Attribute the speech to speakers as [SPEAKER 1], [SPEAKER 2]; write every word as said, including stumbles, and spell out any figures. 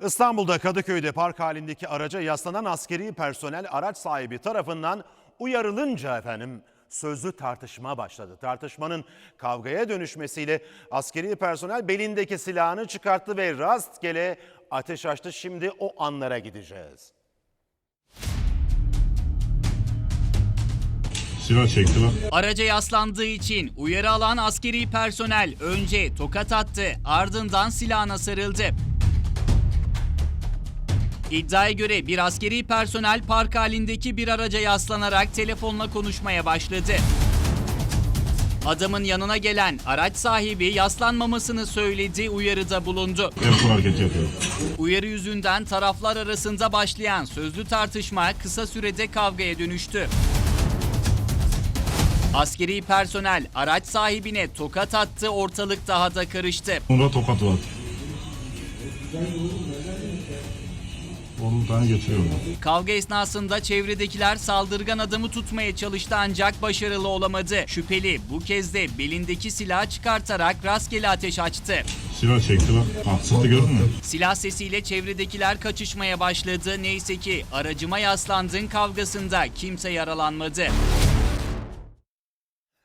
[SPEAKER 1] İstanbul'da Kadıköy'de park halindeki araca yaslanan askeri personel araç sahibi tarafından uyarılınca efendim sözlü tartışma başladı. Tartışmanın kavgaya dönüşmesiyle askeri personel belindeki silahını çıkarttı ve rastgele ateş açtı. Şimdi o anlara gideceğiz.
[SPEAKER 2] Silah çekti bak.
[SPEAKER 3] Araca yaslandığı için uyarı alan askeri personel önce tokat attı, ardından silahına sarıldı. İddiaya göre bir askeri personel park halindeki bir araca yaslanarak telefonla konuşmaya başladı. Adamın yanına gelen araç sahibi yaslanmamasını söyledi, uyarıda bulundu.
[SPEAKER 2] El hareket yapıyor.
[SPEAKER 3] Uyarı yüzünden taraflar arasında başlayan sözlü tartışma kısa sürede kavgaya dönüştü. Askeri personel araç sahibine tokat attı, ortalık daha da karıştı.
[SPEAKER 2] Onda tokat var. on tane getiriyorum.
[SPEAKER 3] Kavga esnasında çevredekiler saldırgan adamı tutmaya çalıştı ancak başarılı olamadı. Şüpheli bu kez de belindeki silahı çıkartarak rastgele ateş açtı.
[SPEAKER 2] Silah çekti bak. Haksızlığı gördün mü?
[SPEAKER 3] Silah sesiyle çevredekiler kaçışmaya başladı. Neyse ki aracıma yaslandın kavgasında kimse yaralanmadı.